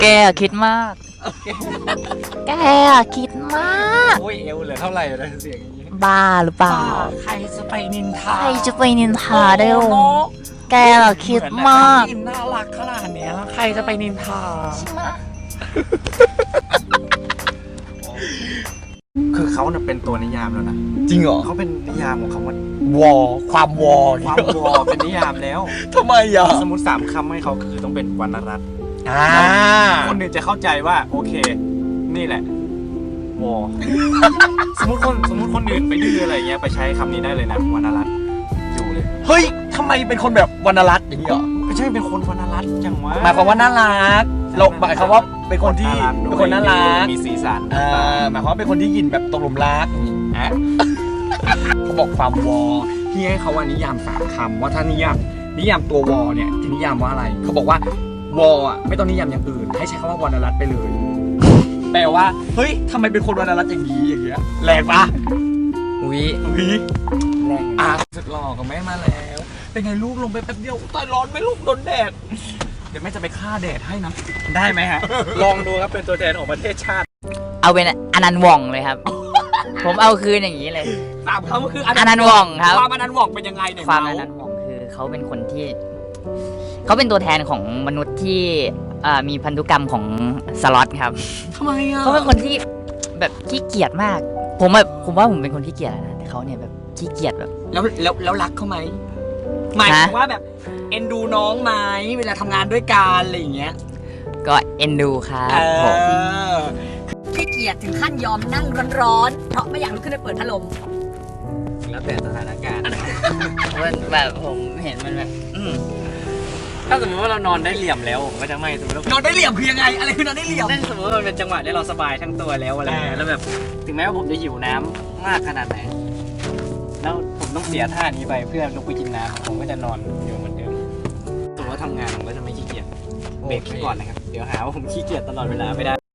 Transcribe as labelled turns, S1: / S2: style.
S1: แกคิดมาก แกคิดมาก
S2: โอ้ยเอวเหลือเท่าไหร่เลยเสียงอย่างนี้
S1: บ้าหรือเปล่า
S2: ใครจะไปนินทา
S1: ใครจะไปนินทาได้วะแกคิดมาก
S2: น่ารักขนาดเนี้ยใครจะไปนินทาคือเขาเนี่ยเป็นตัวนิยามแล้วนะ
S3: จริงเหรอ
S2: เขาเป็นนิยามของคำว่าว
S3: อความวอ
S2: ความวอเป็นนิยามแล้ว
S3: ทำไมอ่ะ
S2: สมมติ3 คำให้เขาคือต้องเป็นวรรณรัตน์
S3: อ่า
S2: คนอื่นจะเข้าใจว่าโอเค นี่แหละวอ สมมติคนอื่นไปดื้ออะไรเงี้ยไปใช้คำนี้ได้เลยนะวรรณรัตน์อยู่เลย
S3: เฮ้ยทำไมเป็นคนแบบวรรณรัตน์อย่างนี้เหรอ
S2: ไม่ใช่เป็นคนวรรณรัตน์จังวะ
S3: หมายความว่าน่ารักเราหมายความว่าเป็นคนที่
S2: ด้วย
S3: เป็นคนน่ารัก
S2: มีสีสัน
S3: หมายความว่าเป็นคนที่ยินแบบตกหลุมรัก
S2: อ่ะ
S3: เขาบอกความวอที่ให้เขาว่านิยาม3 คำว่าถ้านิยามตัววอเนี่ยจะนิยามว่าอะไรเขาบอกว่าวออ่ะไม่ต้องนิยามอย่างอื่นให้ใช้คำว่าวรรณรัตน์ไปเลย แปลว่าเฮ้ยทำไมเป็นคนวรรณรัตน์อย่างนี้อย่างเงี้ยแรงปะ
S1: อุ๊ย
S3: แรงสุดหล่อกับแม่มาแล้ว เป็นไงลูกลงไปแป๊บเดียวตายร้อนไหมลูกโดนแดด เดี๋ยวแม่จะไปฆ่าแดดให้นะ ได้ไหมฮะ
S2: ลองดูครับเป็นตัวแทนของประเทศชาติ
S1: เอาเป็นอนันต์หว่องเลยครับ ผมเอาคืนอย่างนี้เลย
S3: 3 คำก็คือ
S1: อนันต์หว่องครับ
S3: ความอนันต์หว่องเป็นยังไงเนี่ย
S1: ความอนันต์หว่องคือเขาเป็นคนที่ เขาเป็นตัวแทนของมนุษย์ที่มีพันธุกรรมของสล็อตครับ
S3: ทำไมอ่ะ
S1: เขาเป็นคนที่แบบขี้เกียจมาก ผมว่าผมเป็นคนขี้เกียจนะแต่เขาเนี่ยแบบขี้เกียจแบบ
S3: แล้วรักเขาไหมหมายถึงว่าแบบเอ็นดูน้องไหมเวลาทำงานด้วยกันอะไรอย่างเงี้ย
S1: ก็เอ็นดูครับผม
S4: ขี้เกียจถึงขั้นยอมนั่งร้อนๆ เพราะไม่อยากลุกขึ้นไปเปิดพัดลม
S2: แล้วแต่สถานการณ์
S1: มันแบบผมเห็นมันแบบ
S2: ถ้าสมมติว่าเรานอนได้เหลี่ยมแล้วผมก็จะไม่สมมติว่าน
S3: อนได้เหลี่ยมคือยังไง อะไรคือนอนได้เหลี่ยม
S2: นั่นสมมติว่ามันเป็นจังหวะที่เราสบายทั้งตัวแล้วอะไรเงี้ยแล้วแบบถึงแม้ว่าผมจะหิวน้ำมากขนาดไหนแล้วผมต้องเสียท่านี้ไปเพื่อลุกไปกินน้ำผมก็จะนอนอยู่เหมือนเดิมสมมติว่าทำงานผมก็จะไม่ขี้เกียจเบรกไว้ก่อนนะครับเดี๋ยวหาว่าผมขี้เกียจตลอดเวลาไม่ได้